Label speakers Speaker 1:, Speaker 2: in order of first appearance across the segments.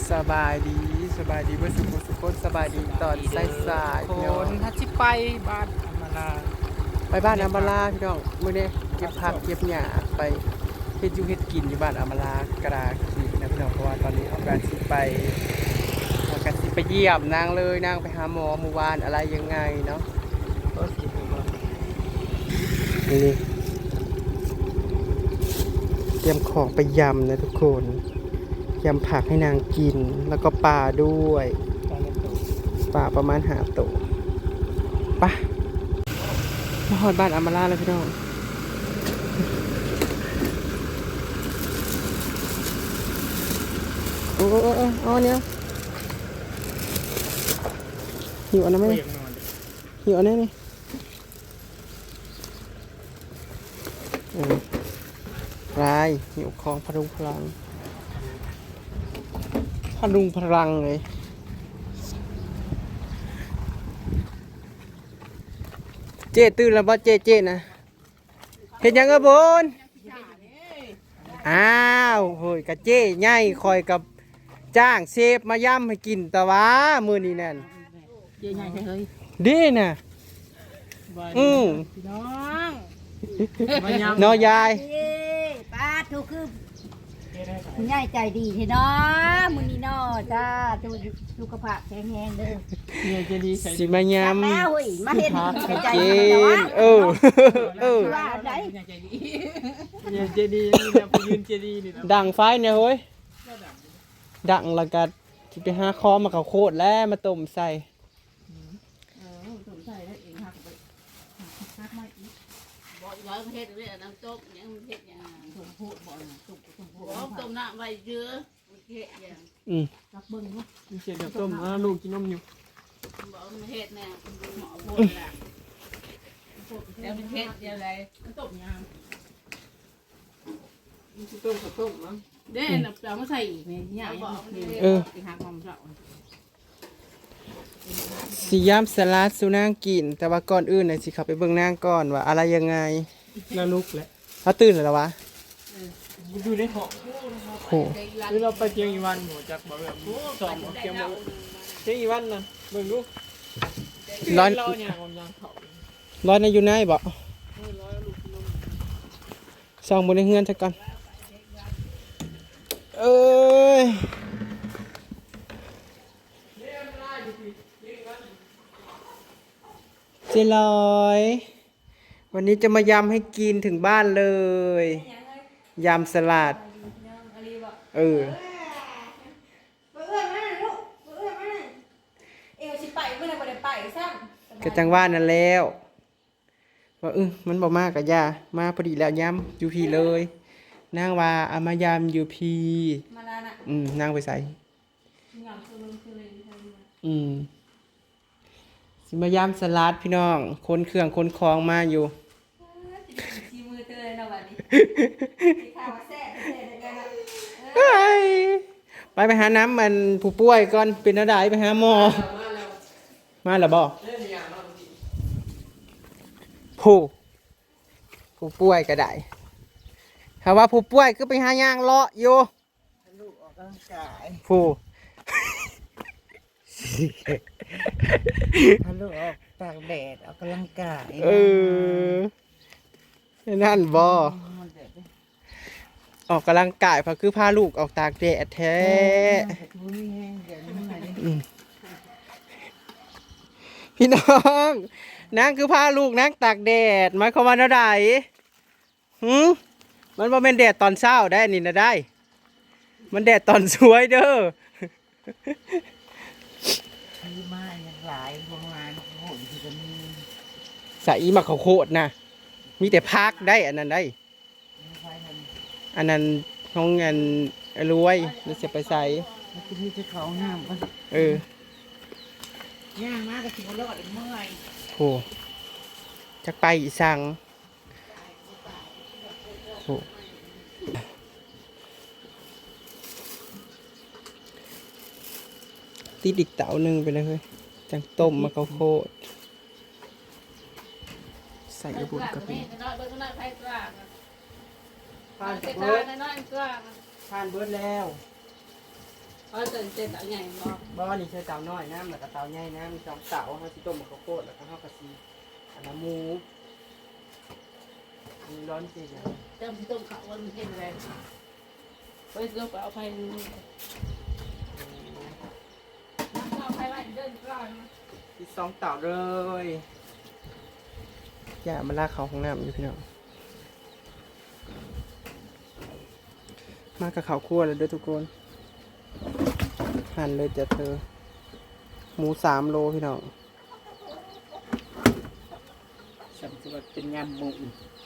Speaker 1: สบายดีเพื่อสุขคนสบายดีตอนสายๆ
Speaker 2: ค
Speaker 1: พี่น้อง
Speaker 2: นถ้าชิไปบ้านอำมาลา
Speaker 1: ไปบ้านอามาลาพี่น้องมื้อนี้เก็บผักเก็บหญ้าไปเฮ็ดอยู่เฮ็ดกินอยู่บ้านอามาลากระดาขีนะพี่น้องเพราะว่าตอนนี้เอาการสิไปเยี่ยมนางเลยนางไปหาหมอเมื่อวานอะไรยังไงเนาะ
Speaker 2: ก็สิบมา
Speaker 1: นี่เตรียมของไปยำนะทุกคนยำผักให้นางกินแล้วก็ปลาด้วย
Speaker 2: ตอนนี้ตัว
Speaker 1: ปลาประมาณ5 ตัวไปมาฮอดบ้านอามาลาแล้วพี่น้องโอ้เอาอันเนี้ยหิวอันนั้นไหม
Speaker 2: ก็ยังนอน
Speaker 1: หิวอันนี้นี่รายหิวของพลุงพลังเลยเจ๊ตื่นแล้วบ่เจ๊นะเห็นยังเอ้บนอ้าวเฮ้ยกะเจ๊ใหญ่คอยกับจ้างเซฟมาย่ำให้กินแต่ว่ามื้อนี้นั่น
Speaker 2: เยอะใหญ่เลย
Speaker 1: ดีน่ะ
Speaker 2: พี่น้อง
Speaker 1: น้อยาย
Speaker 3: ป้าทุกคือคุณยายใจดีเถอะเนาะมื้อนี้เนาะจ้าดูสุขภาพแข็งแรงเด้อ
Speaker 2: เนี่ยจะดีใส่
Speaker 1: สิมาย
Speaker 3: แล้วเฮ้ยมาเฮ็ด
Speaker 1: ำ
Speaker 3: ใจ
Speaker 1: กิ
Speaker 3: ดีเนาะ
Speaker 1: น
Speaker 3: ว่าได้
Speaker 2: เนี่ยจะดีนี่นะไปยืนจะดีนี่นะ
Speaker 1: ดังไฟเนี่ยเฮ้ยดังแล้วก็สิไปหาคอมาเขาโคตรแล้วมาต้มใส่
Speaker 3: สงสัยแล้วเองหักไปหักมาอีก
Speaker 4: บ่ร้อยประเทศเลยน้ำต้มยังประเทศยัง
Speaker 3: สมโพธิบ่น่ะสุกสมโพธิ
Speaker 4: บ่ต้มน้ำไว้เยอะประเทศยัง
Speaker 3: รับเบิ่งเนาะ
Speaker 2: มีเศษเดี๋ยวต้มลูกกินนมอยู่
Speaker 4: บ่ประเทศเนี่ยหมอพูดละแล้วประเทศยังไงต้มยำ
Speaker 2: ต้มกับต้มมั้ง
Speaker 4: เด้น้ำเปล่ามาใส่อีกเนี่ยยำอีหักมันเปล่า
Speaker 1: สีย่ำสลัดสุนางกิน แต่ว่าก่อนอื่นน่ะสิเขาไปเบิ่งนางก่อนว่าอะไรยังไง
Speaker 2: แล้วลูกแหละ
Speaker 1: เขาตื่นแล้ววะ
Speaker 2: ดูได้เหาะ
Speaker 1: โห
Speaker 2: หรือเราไปเชียงอีวันหมูจากบ่แบบสองเชียงบ่เชียงอีวันน่ะเบิ่งลูก
Speaker 1: ร้อน
Speaker 2: เราเนี่ยกำลังเขา
Speaker 1: ร้อนในอยู่ไหนบ่ส่องบนในเฮือนซะก่อนเอ้ยเจลอยวันนี้จะมายำให้กินถึงบ้านเลยยำสลัด
Speaker 3: เอื้อมาลูกเอื้อมาเอวสิไปเมื่อไหร่บ่ได้ไปซ้ำ
Speaker 1: กระจังว่านั่นแล้วว่ามันบอกมากกะย่ามาพอดีแล้วยำอยู่พีเลยนางว่าเอามายำอยู่พี
Speaker 3: มาแล้วน่ะ
Speaker 1: นางไปใส่สิมายำสลัดพี่น้องคนเครื่องคนคลองมาอยู่
Speaker 3: ชีมือเตยเนาะบัดนี้สิข้าวแซ่บๆกันเนาะ
Speaker 1: ไปหาน้ำมันผู้ป่วยก่อนเป็นอะไรไปหาหมอมาแล้วบ่ผู้ป่วยก็ได้ถ้าว่าผู้ป่วยก็ไปหาย่างเลาะอยู่
Speaker 3: ลูกออกกำลังกาย
Speaker 1: ผู้
Speaker 3: ถ้าลูกออกตากแดดออกกำลังกาย
Speaker 1: นั่นบ่ออกกำลังกายเพราะคือพาลูกออกตากแดดแท้ พี่น้องนางคือพาลูกนางตากแดดหมายความว่าเท่าใดมันบ่แม่นแดดตอนเช้าได้นี่นะได้ มันแดดตอนสวยเด้อ
Speaker 3: มีมาอย่างหลายโรงงานโหดที่จะมี
Speaker 1: ใส่มาเขาวโคตรนะมีแต่พักได้อันนั้นได้
Speaker 3: ไฟท
Speaker 1: อันนั้นของเงินรวยแล้วจะไปใส่
Speaker 3: ำมันจะมีที่เขาห้ามปะ ย่างมากก็ถึงรอดเมื่อย
Speaker 1: โหจักไปอีสังโหติดอีกเต๋าหนึ่งไปเลยเฮ้ยจังต้มมาเขาวโคตรใส่บุญกะปิ
Speaker 4: น้อยเบิ่งน้อยไฟกลาง
Speaker 1: ผ่าน
Speaker 4: เจ้า
Speaker 1: เบิด
Speaker 4: น้อยกลาง
Speaker 1: ผ่านเบิดแล้ว
Speaker 4: เต้นเอาใหญ่บ่
Speaker 1: บ่นี่ใช้เตาน้อยน้ำแล้วก็เตาใหญ่น้ำมีสองเตาเฮาสิต้มข้าวโพดแล้วก็เฮาก็สิอันน้ำหมูอันนี้ร้อนจริงนะ
Speaker 4: เติมต้มข้าวมันเฮ็ดอะไรไปลงไปเอาไฟเอาไฟไว้เดินก่อน
Speaker 1: มีสองเตาเลยอย่ามาลากเขาของน้ำอยู่พี่น้องมากับข้าวคั่วเลยเด้อทุกคนหั่นเลยจ้ะเธอหมู3 โลพี่น้อง
Speaker 2: ฉันจะเป็นยำหมู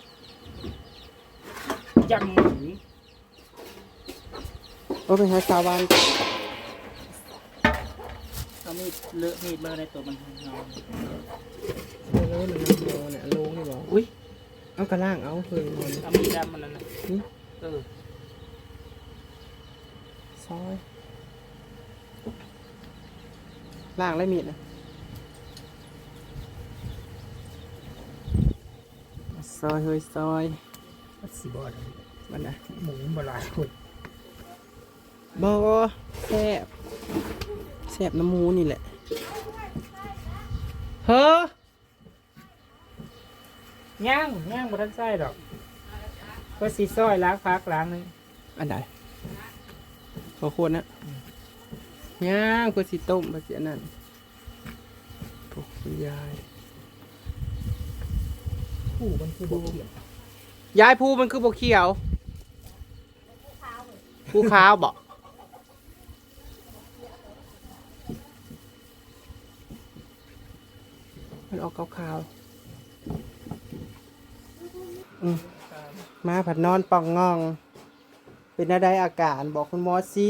Speaker 2: ยำหมู
Speaker 1: โอ้เป็นไงสาวาน
Speaker 2: เอามีดเลอะมีดเลอะในตัวมันนอน
Speaker 1: โลนึงโลเนี่ยโลนี่บอกอุ้ยเอากระล่างเอาเคยมัน
Speaker 2: เอามีดดำมันนั่นนะ
Speaker 1: ซอยล่างแล้วมีดนะซอยเฮ้ยซอย
Speaker 2: สิบอด
Speaker 1: มันนะ
Speaker 2: หมูบลายคน
Speaker 1: บอแซ่บแซ่บน้ำหมูนี่แหละเฮ้
Speaker 2: ย่างบนด้านใต้ดอกก็สีซ้อยล้างพักล้างนึง
Speaker 1: อันไหนขอควรนะย่างเพื่อสิต้มเพื่อสิอันนั้นโอ้ยยาย
Speaker 2: ผู้มันคือโบเขียน
Speaker 1: ยายภูมันคือบกเขียวภูขาวบอกมันออกขาวๆมาผัดนอนป่องงอง เป็นอะไรอาการบอกคุณหมอสิ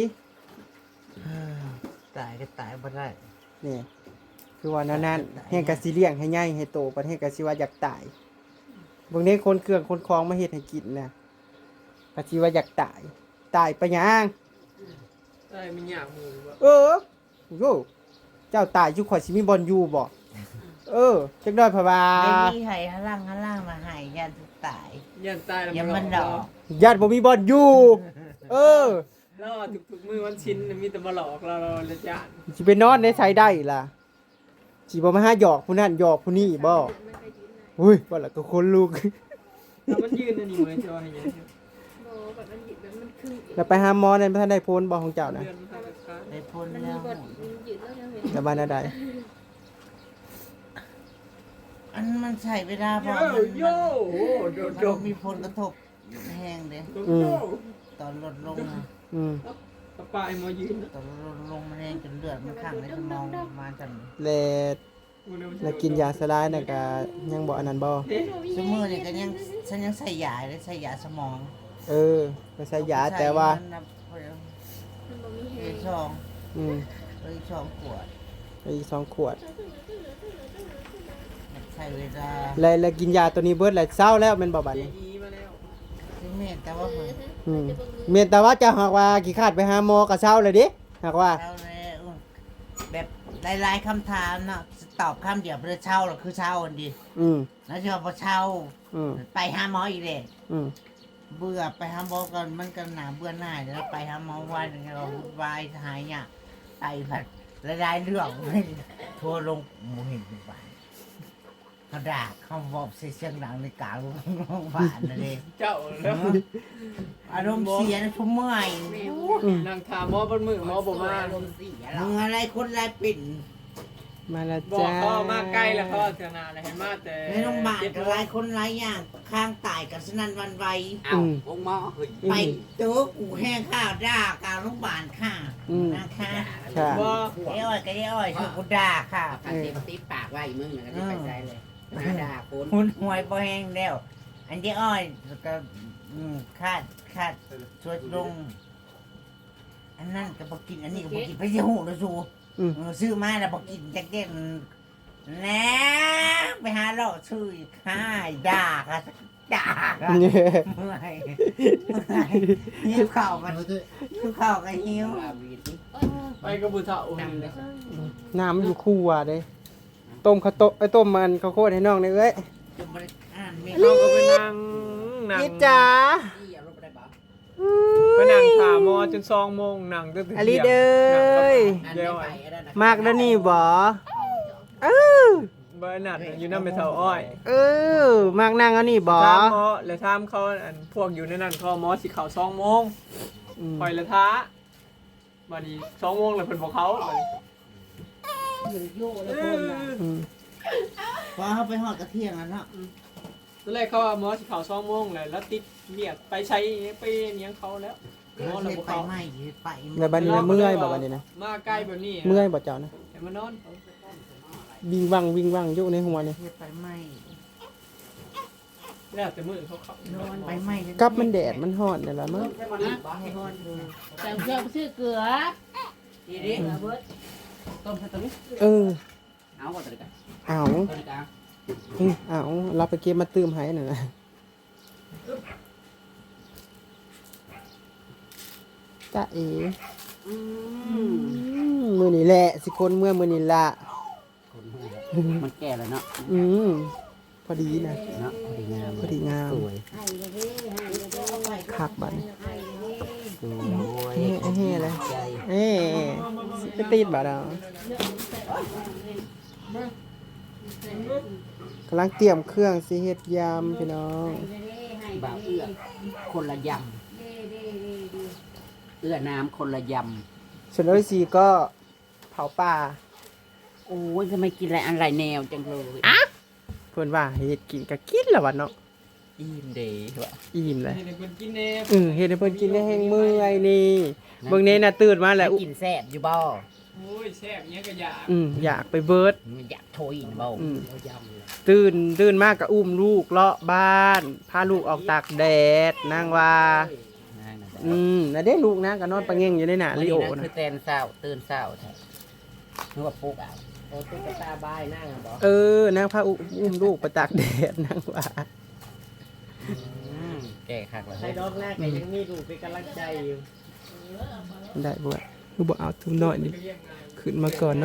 Speaker 5: ตายก็ตายบ่ได้
Speaker 1: นี่คือว่านั้นเฮงกะสิเลี้ยงให้ใหญ่ให้โตประเทศกะสิว่าอยากตายบางนี้คนเครื่องคนคลองมาเฮ็ดให้กินนะกะสิว่าอยากตายไปหยัง
Speaker 2: ได้มีหยาบหมูบ่
Speaker 1: เออโยเจ้าตายอยู่ข่อยสิมีบอลอยู่บ่จักด้อยพะบา
Speaker 5: ไม่มีไห้ข้างล่างมาใหายยันทุกตาย
Speaker 2: ยันตายแล้ว
Speaker 5: ยังมันดอก
Speaker 1: ญาติบ่มีบอลอยู่
Speaker 2: แล้วทุกมือวันชิ้นมีแต่มาหลอกเราเลยจ้า
Speaker 1: สิไปนอนในไสได้ล่ะสิบ่มาหาหยอกผู้นั้นหยอกผู้นี้บ่อุ้ยว่าแล้วก็คนลูก
Speaker 2: แล้วมันยืนอันนี้เหมือนจอให้ยัง
Speaker 1: แล้วไปหาหมอนั่นบ่ทันได้พ้นบ่ของเจ้านะ
Speaker 2: เดือนพาราคา
Speaker 5: ได้พ้นแล้ว
Speaker 1: แล้วบ้านใด
Speaker 5: อันมันใช้เวลาพอ
Speaker 2: โย่โอ้โดดโด
Speaker 5: มันมีผลกระทบแห้งเด้
Speaker 2: โย่
Speaker 5: ตอนลดลงนะ
Speaker 1: อืม
Speaker 2: ปลายมายืน
Speaker 5: ตอนลดลงมันแห้งจนเลือดมันข้างในสมองมาจน
Speaker 1: แล้วกินยาสลายน่ะก็ยังบ่อันนั้นบ่
Speaker 5: สมือนี่ก็ยังฉันยังใส่ยาเลยใส่ยาสมอง
Speaker 1: ก็ใช้ยาแต่ว่า
Speaker 5: เลยช่อง
Speaker 1: อืม
Speaker 5: เลยช่องขวด
Speaker 1: อีก2 ขวด
Speaker 5: ใช้เวลา
Speaker 1: แล้วกินยาตัวนี้เบิดแล้วเศร้าแล้วแม่นบ่บัดนี้
Speaker 2: อีมาแล้ว
Speaker 5: ที่เมตแต่ว่าเพิ่น
Speaker 1: แม่นแต่ว่าจะหากว่าขี้คร้าดไปหาหมอก็เศร้าเลยดิหากว่า
Speaker 5: เช่าแล้วแบบหลายๆคำถามเนาะตอบคำเดียวเพื่อเช่าหรอคือเช่าอันดี
Speaker 1: อืม
Speaker 5: แล้วชอบพอเช่า
Speaker 1: อืม
Speaker 5: ไปหาหมออีกเลย
Speaker 1: อืม
Speaker 5: เบื่อไปหาหมอก่อนมันก็หนาเบื่อหน่ายแล้วไปหาหมอวันหนึงเราวายหายเนี่ยไตผัดหลายๆเรื่องทัวร์ลงหมูเห็นเป็นบ้านเขาด่าเขาบอกเสียงดังในกลางโรงพยาบาลนั่นเอง
Speaker 2: เจ้าแล้ว
Speaker 5: อารมณ์เสียนะทุ่มเมื่อย
Speaker 2: นางถามหมอบนมือหมอบอกว่า
Speaker 5: มึงอะไรคนไรปิ่น
Speaker 1: มาแล้ว
Speaker 2: บอก
Speaker 1: จ้า
Speaker 2: เขามาใกล้แล้วเขาเสียนาเลยเห็นมาแต่
Speaker 5: ในโรงพยาบาลก็หลายคนหลายอย่างข้างตายกับสนั่นหวันไหว
Speaker 1: อืม
Speaker 5: ไปเจอกูแห้งข้าวด่ากลางโรงพยาบาลค่ะนะคะ
Speaker 1: ค่ะ
Speaker 2: บอก
Speaker 5: เอ้อยก็อ้อยคือกูด่าค่ะ
Speaker 3: ติดปากไว้มึงแล้วก็ไปใจเลยด่าคน
Speaker 5: หุ่นหวยบ่แห้งแล้วอันที่อ้อยก็คาดชวดลง อันนั้นก็บ่กินอันนี้ก็บ่กินไปสิหูแล้วสู
Speaker 1: อืม
Speaker 5: ซื้อมาแล้วบ่กินจักเด็ดนะไปหาเลาะซื้ออีกค่ะด่าค่ะด่าค่ะ เมื่อยหิวข้าวกันหิวข้าวกันหิว
Speaker 2: ไปกับบุตรเฒ่าเลย
Speaker 1: น้ำมันอยู่คู่ว่ะเด้ต้มข้าวต้มมันข้าวโพดให้น้องเลยเอ้ย
Speaker 5: จะบ่ได้อ่านไม่
Speaker 2: เราก็ไปนั่ง
Speaker 1: อีจ๋า
Speaker 3: ที่เอารถไปได้ปะ
Speaker 1: อืม
Speaker 2: ไปนั่งถามหมอจน2 โมงนั่งจนถึง
Speaker 1: อลิเด้ย
Speaker 2: เดี๋ยว
Speaker 1: มากแล้วนี่บ่เออ
Speaker 2: บ่นั่นอยู่นำไปเฒ่าอ้อย
Speaker 1: เออมากนั่งอันนี้บ่
Speaker 2: ถามหมอแล้วถามเขาอันพวกอยู่ในนั้นเขาหมอสิเข้า2 โมง
Speaker 1: อืม
Speaker 2: ปล่อยละท้าบัดนี้2 โมงแล้วเพิ่นบอกเขาบัดนี้
Speaker 1: อืม
Speaker 5: พอเขาไปหอดกระเทียงแล้วเนาะ
Speaker 2: ตอนแรกเขาว่าหมอสิเข้า2 โมงแล้วติดเรียกไปใช้ไปเลี้ยงเขาแล้วหมอ
Speaker 5: เขา
Speaker 2: แล้ว
Speaker 5: เลย
Speaker 2: บ่
Speaker 5: ไป
Speaker 2: เข้า
Speaker 5: ไหม้ไป
Speaker 1: แล้วบัดนี้นะเมื่อยบ่บัดนี้นะ
Speaker 2: มาใกล้แบบนี้
Speaker 1: เมื่อยบ่เจ้านะ
Speaker 2: ให้มานอน
Speaker 1: วิ่งวังอยู่ในหัวนี่
Speaker 5: เฮ็ดไปไหม้
Speaker 2: แล้วแต่มื้อเขาเข้า
Speaker 5: ไปไหม้
Speaker 1: กับมันแดดมันร้อนนี่ล่ะมั้ง
Speaker 4: แต่เพื่อซื้อเกลือ
Speaker 3: ดีดิเบิด
Speaker 4: ต้มใส่ตัวนี้
Speaker 1: เออ
Speaker 4: เอาก่อนตัวนี้กัน
Speaker 1: เอา
Speaker 4: ตัวนี้กัน
Speaker 1: เอาเราไปเก็บมาตื้มให้น่ะนะจ้าเอ๋มื้อนี้แหละสิคนเมื่อมื้อนี้ล่ะ
Speaker 4: มันแก่แล้วเนาะ
Speaker 1: อืมพอดีนะ
Speaker 4: เนาะพอดีงาม
Speaker 1: พอดีงาม
Speaker 4: สวย
Speaker 1: คักบัดนี้
Speaker 4: สวย
Speaker 1: เฮ้เลย
Speaker 4: ใจ
Speaker 1: เอ้สิไปติดบ่ดาวกำลังเตรียมเครื่องสิเฮ็ดยำพี่น้อง
Speaker 4: บ่าวเอื้อคนละยำเอื้อน้ำคนละย
Speaker 1: ส่วนร้อยสี่ก็เผาป่า
Speaker 4: ำโอ้ยทำไมกินอะไรอะไรแนวจังเลย
Speaker 1: เพิ่นว่าเฮ็ดกินก็กินแล้ววะเนาะ
Speaker 4: อิ่มเดย์วะ
Speaker 1: อิ่มเลย
Speaker 2: ให้เพิ่นกินแน่
Speaker 1: เฮ็ดให้เพิ่นกินได้แห้งเมื่อยนี่เบิ่งแน่น่ะตื่นมาแล้ว
Speaker 4: กินแซ่บอยู่บ่
Speaker 2: โอ้ยแซ่บเนี้ยก็อยาก
Speaker 1: อยากไปเบิด
Speaker 4: มันอยากโทยนะบ่
Speaker 1: เรา
Speaker 4: ยำเลย
Speaker 1: ตื่นมากก็อุ้มลูกเลาะบ้านพาลูกออกตากแดดนางว่าน่ะเด้ลูกนะก็นอนปะเง่งอยู่ในหน้าลิโอ
Speaker 4: คื
Speaker 1: นะ
Speaker 4: อตื่นเศร้าแท้นึกว่าปลุกอ่ะโอ้ตุ๊กตาบายนั่งบ่
Speaker 1: นางพาอุ้มลูกไปตากแดดนางว่า
Speaker 4: แก่คักแล้ว
Speaker 2: ใช้ดอกแรกก็ยังมีดูเป็นกำลังใจอยู่
Speaker 1: ได้บ่คือบ่เอาทุนน้อยนี่ขึ้นมาก่อนเนาะ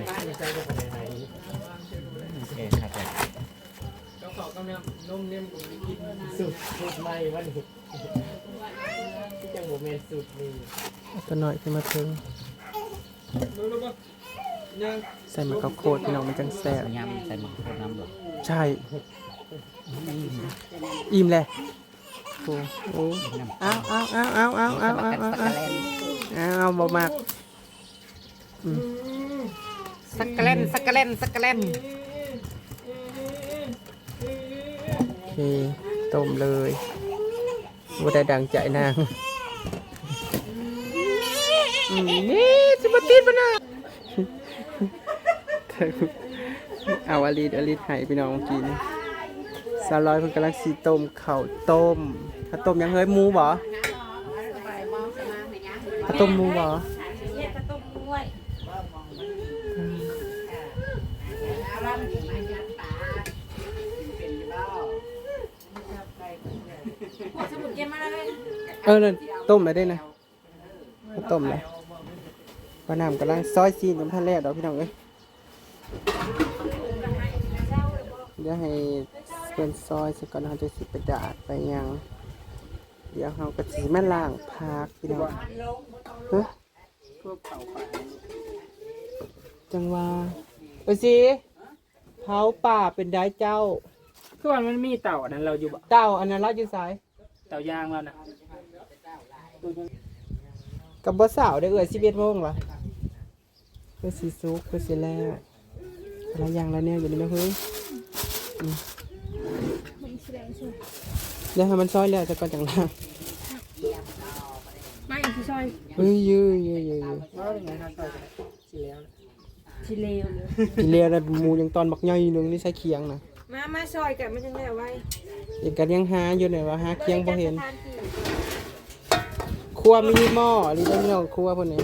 Speaker 4: แก่คักแล้ว
Speaker 2: ก็ขอกำลังนมเนี่ยกูไปกินสุดใหม่วันนี้ที่จังบ่แม่นสุดนี่
Speaker 1: เอาตัวน้อยขึ้นมาเพิ่ง
Speaker 2: รู้บ่ยัง
Speaker 1: ใส่มะกอกโคตรพี่น้องมันจังแซ่บ
Speaker 4: ยำใส่หมึกโคตรน้ำบ่
Speaker 1: ใช่อิ่มเลยโอ้โหเอาบ่มาก
Speaker 4: สักกะเล่น
Speaker 1: โอเคต้มเลยบ่ได้ดังใจนางนี่สิบ่ติดบ่นะเอาอลิดให้พี่น้องกินสาวร้อยเพิ่นกำลังสิต้มข้าวต้มข้าวต้มยังเฮ้ยหมูบ่ข้าวต้มหมูบ่ นั่นต้มไปได้นะต้มเลยปลาน้ำกำลังซอยซีนกับท่านแรกดอกพี่น้องเอ้ยเดี๋ยวให้เป็นซอยสักก่อนเราจะสิไปดาดไปยังเดี๋ยวเราก็สิมาล้างผักพี่น้องฮะจังว่าไปสิเผาป่าเป็นได้เจ้า
Speaker 2: คือว่ามันมีเต่าอันนั้นเราอยู่บ่
Speaker 1: เต้าอันนั้นเราอยู่สาย
Speaker 2: เต่ายางแล้วน่ะ
Speaker 1: กับบ่สาวได้11 โมงวะเพื่อสิซุกเพื่อสิแล้วอะไรอย่างละเนี่ยอยู่นี่นะเฮ้ยเดี๋ยวให้มันซอยแล้วจะก่อนจังล่าง
Speaker 6: ไม่ที่ซอย
Speaker 1: เฮ้ยยื้อ
Speaker 2: ว่าเป็นไงครับต่อยสิแล้ว
Speaker 6: ชิเลวเลย
Speaker 1: กินแล้วแล้วหมูยังตอนบักย่อยนึงนี่ใส่เคียงนะ
Speaker 6: มาซอยกันมันจะได้ไว้
Speaker 1: เห็นกันยังหาอยู่เนี่ยว่าหาเคียงบ่เห็น
Speaker 6: ทานที่
Speaker 1: ครัวมีหม้อหรือต้องครัวพุ่นนี่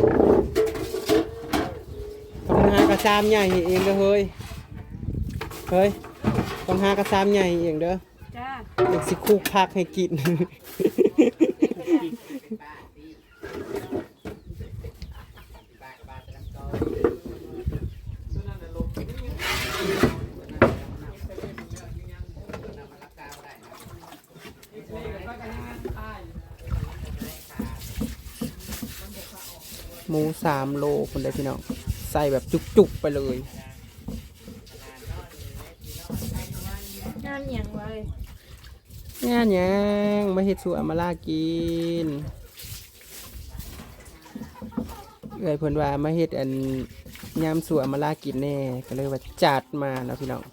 Speaker 1: ต้องหากระซามใหญ่ให้เองเด้อเฮ้ยต้องหากระซามใหญ่ให้เองเด้อ
Speaker 6: จ้า
Speaker 1: เอกสิคุกพักให้กิน
Speaker 2: เ
Speaker 1: มู3 โลคนได้พี่น้องใส่แบบจุกๆไปเลย
Speaker 6: งานเหยียงไว้
Speaker 1: งานหยังมาเฮ็ดสู่อำมาลากินเอ้ยเพิ่นว่ามาเฮ็ดอันยามสู่อำมาลากินแน่ก็เลยว่าจัดมาเนาะพี่น้อง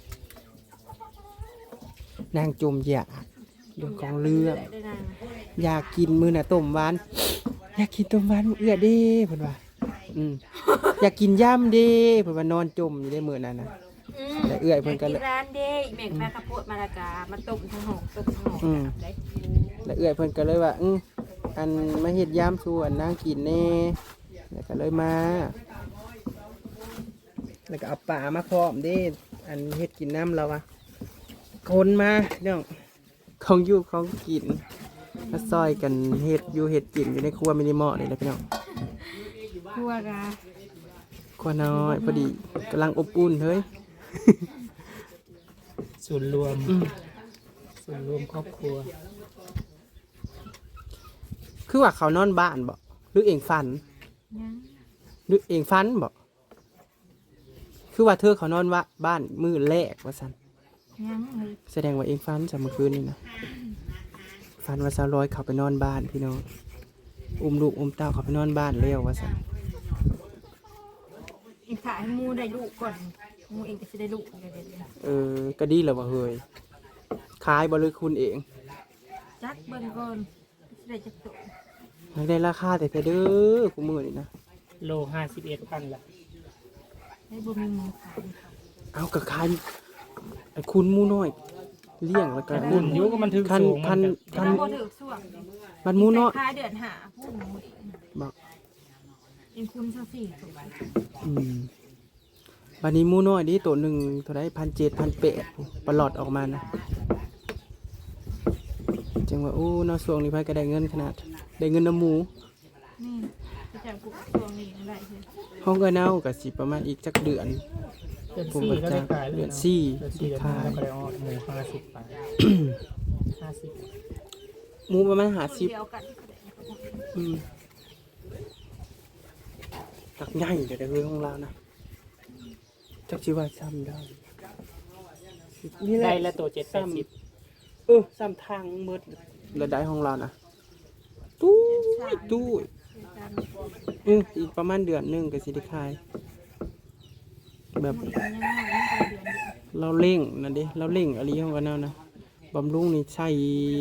Speaker 1: นางจมอยากเรื่องของเรื่อง
Speaker 6: ได้นาง
Speaker 1: อยากกินมื้อน่ะต้มหวานอยากกินต้มหวานเอื้อเด้เพิ่นว่าอยากกินย่ำเด้เพิ่นว่านอนจมอยู่ได้มื้อนั้นน่ะแต่เอื้อยเพิ่นก็
Speaker 6: อยา
Speaker 1: เล
Speaker 6: กิ
Speaker 1: ย
Speaker 6: นร้านเด้แม่งแม่ข้าวโพดมาละกามาต้มทั้งหอกต้มทั้งหอกได้
Speaker 1: แล้วเอื้อยเพิ่นก็เลยว่าอันมาเฮ็ดย่ำสู่อันนางกินแน่แล้วก็เลยมาแล้วก็เอาปลามาพร้อมเด้อันเฮ็ดกินน้ำเราอะคนมาเรื่องของอยู่ของกินมาซอยกันเฮ็ดอยู่เฮ็ดกินอยู่ในครัวมินิมอลนี่แหละพี่น้อง
Speaker 6: ครัวกะ
Speaker 1: ครัวน้อยพอดีกำลังอบอุ่นเฮ้ย
Speaker 2: ส่วนรวมส่วนรวมครอบครัว
Speaker 1: คือว่าเขานอนบ้านบ่หรือเองฝัน
Speaker 6: ยัง
Speaker 1: หรือเองฝันบ่คือว่าเธอเขานอนว่าบ้านมือแรกว่าซั่น
Speaker 6: ยังเลย
Speaker 1: แสดงว่าเองฝันจากเมื่อคืนนี่นะฝันว่าสาวร้อยเขาไปนอนบ้านพี่น้องอุ้มลูกอุ้มเต้าเขาไปนอนบ้านแล้วว่าซั่น
Speaker 6: อีกถ่ายให้มูได้ลูกก่อนมูเองก็จะได้ลูกเดี๋ยว
Speaker 1: ก็ดีแล้วว่าเฮ้ยขายบ่เลยคุณเอง
Speaker 6: จักเบิ่งก่อนจะได้จักตุ่
Speaker 1: อยากได้ราคาแต่เด้อกูมือนี่นะ
Speaker 2: โล51,000ละ
Speaker 6: ได้บ่มีหมูขาย
Speaker 1: เอากับขายไอ้คุณหมูน้อยเลี้ยงแล้วก็
Speaker 2: คุณยุก็มันถึง
Speaker 1: คัน
Speaker 2: สูง
Speaker 1: คัน
Speaker 6: แต่
Speaker 1: คัน
Speaker 6: ถ้าบ่ถือส่วง
Speaker 1: มันหมูน้อย
Speaker 6: ขายเดือนหาผู้หมูเอง
Speaker 1: บอก
Speaker 6: เองคุณซะสี่ตัว
Speaker 1: บันนี้หมูน้อยดิตัวหนึ่งเท่าไร1,700 1,800ปลอดออกมานะจังว่าโอ้เนอส่วงนี้ไผก็ได้เงินขนาดได้เงินน้ำหมู
Speaker 6: นี่จะจับกูส่วงนี้ได้ใช่
Speaker 1: ห้องก็เน่ากับสิประมาณอีกจักเดือน
Speaker 2: เดือน
Speaker 1: ผม
Speaker 2: 4
Speaker 1: ก็
Speaker 2: ก็
Speaker 1: จะ
Speaker 2: ได้ขาย
Speaker 1: เดือน
Speaker 2: ลย
Speaker 1: สี่
Speaker 2: เดือน4เดือน
Speaker 1: ขาย
Speaker 2: 5แล้วก็ได้ออกหมู50 บาท50
Speaker 1: หมูประมาณ50
Speaker 6: เดียวกัน
Speaker 1: ตักใหญ่เดี๋ยวได้เรื่องของเรานะจักชิว่าซ้ำได้นี่แห
Speaker 2: ได้
Speaker 1: ละ
Speaker 2: ละตัว780
Speaker 1: ซ้ำทางเบิดแล้วได้ของเรานะตู้อีกประมาณเดือนหนึงก็สิได้ขาย แบบเราเร่งนั่นดิเราเร่งอะไรของกันเอานะบำรุงนี่ใช่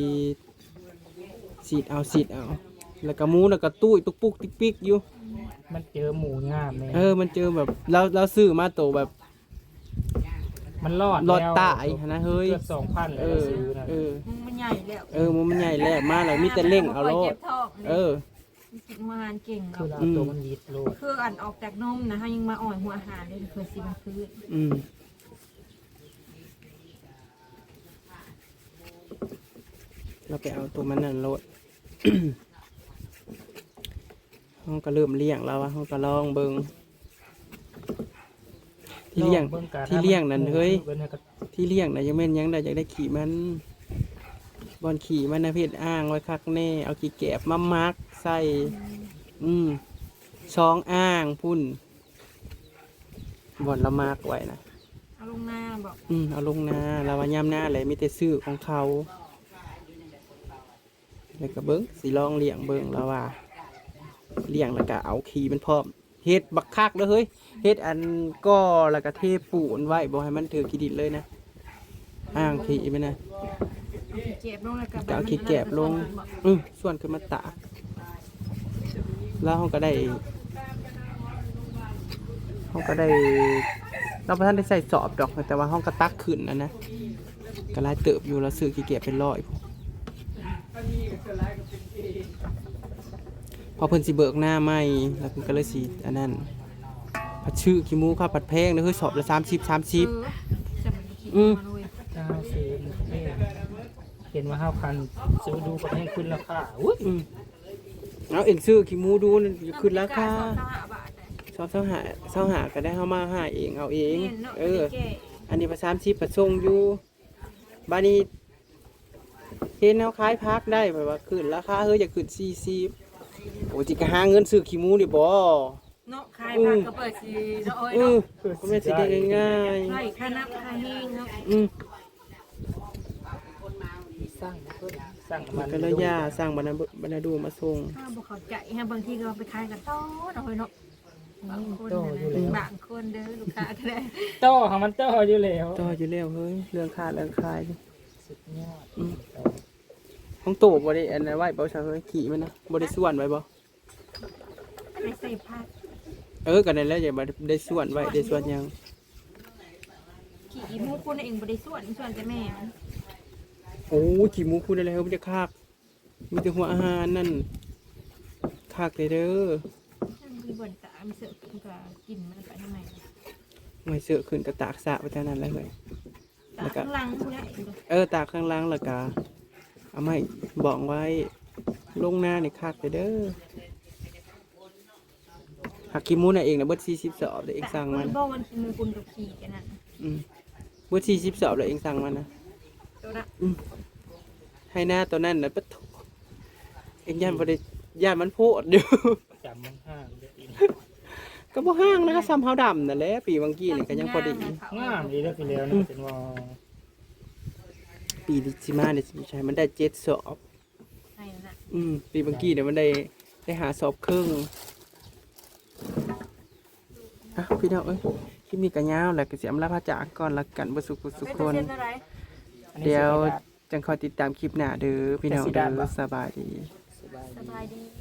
Speaker 1: สีดเอาแล้วก็หมูแล้วก็ตุ้ยตุกปุกติ๊กปิ๊กอยู่
Speaker 2: มันเจอหมูงามแม่
Speaker 1: มันเจอแบบเราซื้อมาโตแบบ
Speaker 2: มันรอด
Speaker 1: รอด
Speaker 2: แล้ว
Speaker 1: ตายนะเฮ้ย
Speaker 2: เกือบ 2,000แล้วเราซื้อนะ
Speaker 6: มันใหญ่แล้ว
Speaker 1: หมูมันใหญ่แล้วมาแล้วมีแต่เร่งเอาโลด
Speaker 6: กินมานกินเก่ง
Speaker 2: คือ
Speaker 6: เนาะ
Speaker 2: เราตัวมันยิดโลด
Speaker 6: คืออันออกจากนมนะฮะยังมาอ่อยหัวอาหารเลยเคยสิมาคืน
Speaker 1: เราไปเอาตัวมันนั่นโลด ห้องก็เริ่มเลี้ยงแล้วว่าห้องก็ลองเบิงที่เลี้ยงนั่นเฮ้ยที่เลี้ยงน่ะยังแม่นยังได้อยากได้ขี่มันบอลขี่มันนะเพศอ้างไว้คักแน่เอาขี่แกบมามักใส่ช้องอ้างพุ่นบอลละมากไว้นะ
Speaker 6: เอาลงหน้าบอก
Speaker 1: เอาลงนาเราว่าย่ำหน้าเลยมีแต่ซื้อของเขาแล้วก็เบิ้งสีลองเลี้ยงเบิ้งแล้วว่าเลี้ยงแล้วก็เอาขี่มันพร้อมเฮ็ดบักคักเลยเฮ้ยเฮ็ดอันก็แล้วก็เทปูนไว้บ่ให้มันถือขี้ดินเลยนะอ้างขี่มันนะ
Speaker 6: เจ็บลงแล้วก็
Speaker 1: ก็เอาขี้แกบลงส่วนขึ้นมาตากแล้วเขาก็ได้เราพระท่านได้ใส่สอบดอกแต่ว่าห้องก็ตักขึ้นนะก็ไล่เติบอยู่แล้วซื้อขี้แกบเป็นร้อยพอเพิ่นสิเบิกหน้าไม่แล้วเพิ่นก็เลยสิอันนั้นผัดชื่อขี้หมูข้าวผัดแพงเฮ้ยสอบละ30
Speaker 6: จะมันขี้มาเลย
Speaker 2: ถ้าซื้อเห็นว่า5,000ซื้อดูก็ให้ขึ้นราคาอุ้ย
Speaker 1: เอาเอ็งซื้อขี้หมูดูนั่นขึ้นราคา
Speaker 6: บาท
Speaker 1: ชอบเสาหาก็ได้เข้ามาหาเองเอาเองอันนี้ประ30ประทรงอยู่บ้านนี้เห็นเอาขายพักได้แบบว่าขึ้นราคาเฮ้ยอยากขึ้น40 โอ้จิกะหาเงินซื้อขี้หมูดิบ่
Speaker 6: เนาะขายผักก็เปิดสิเนาะโอ้ย
Speaker 1: เออ
Speaker 6: เนาะ
Speaker 1: ก็ไม่นสิได้ง่าย
Speaker 6: ไล่ค่าน้ำค่าแห้งเนาะ
Speaker 1: อืม
Speaker 2: สร้างเพิ่นสร้างมัน
Speaker 1: ก็เลยย่าสร้างบรรณาดูมาส่ง
Speaker 6: ถ้าบ่เข้าใจฮะบางทีก็เอาไปขายกันต่อเนาะโอ้ยเนาะบางคนบางคนเด้อลูกค้าก็ได้
Speaker 2: โตของมันโตอยู่แล้ว
Speaker 1: ต่ออยู่แล้วเฮ้ยเรื่องค่าเรื่องขาย
Speaker 2: สุดยอด
Speaker 1: ของโตบ่ได้อันนั้นไว้บ่ใช่เฮ้ยขี่มันนะบ่ได้ส่วนไว้บ่
Speaker 6: ไปใส่ผัก
Speaker 1: ก็นั่นแหละอย่าบ่ได้ส่วนไว้ได้ส่วนหยัง
Speaker 6: ขี่อีหมูคุณเองบ่ได้ส่วนแต่แม่มัน
Speaker 1: โอ้ยขี้หมูพูดอะไรเฮ้ยมันจะคากมีแต่หัวอาหารนั่นคากเลยเด้อ
Speaker 6: มีบ่นตามีเสือกินก็กินมันไปทำไม
Speaker 1: ไม่เสือขึ้นก็ตากสะไปเท่านั้นแหละเฮ้ย
Speaker 6: ตาข้างหลังผู้ใด
Speaker 1: ตากข้างล่างแล้วก็เอาไม่บอกไว้ลงหน้าในคากเลยเด้อหักขี้หมูน่ะเองนะเบิด40 สอบเดี๋ยวเองสั่งมัน
Speaker 6: บ่วันกินมือคุณกับขี่กันนั่น
Speaker 1: เบิด40 สอบเดี๋ยวเองสั่งมันนะ
Speaker 6: ตัวละ
Speaker 1: ให้หน้าตัวนั้นนะปะโถเองย่านบ่ได้ย่านมันโพดอยู่
Speaker 2: จำมันห้างเด้ออีก
Speaker 1: ก็บ่ห้างนะก็ซ้ำเฮาดำนั่นแหละปีบางกี้นี่ก็ยังพอดี
Speaker 2: งามดีแล้วพี่แล้วนะเป็นว่า
Speaker 1: ปีที่สิมาเนี่ยสิใช่มันได้7 สอบ
Speaker 6: ใช่นั่นน่ะ
Speaker 1: ปีบางกี้เนี่ยมันได้หาสอบครึ่งพี่น้องเอ้ยคลิปนี้ก็ยาวแล้วก็สิอำลาพระจากก่อนละกันบ่สุขสุขคน
Speaker 6: เป็นอะไร
Speaker 1: เดี๋ยวจังคอยติดตามคลิปหน้าเด้อพี่น้องเด้อสบายดี
Speaker 2: สบาย
Speaker 6: สบายดี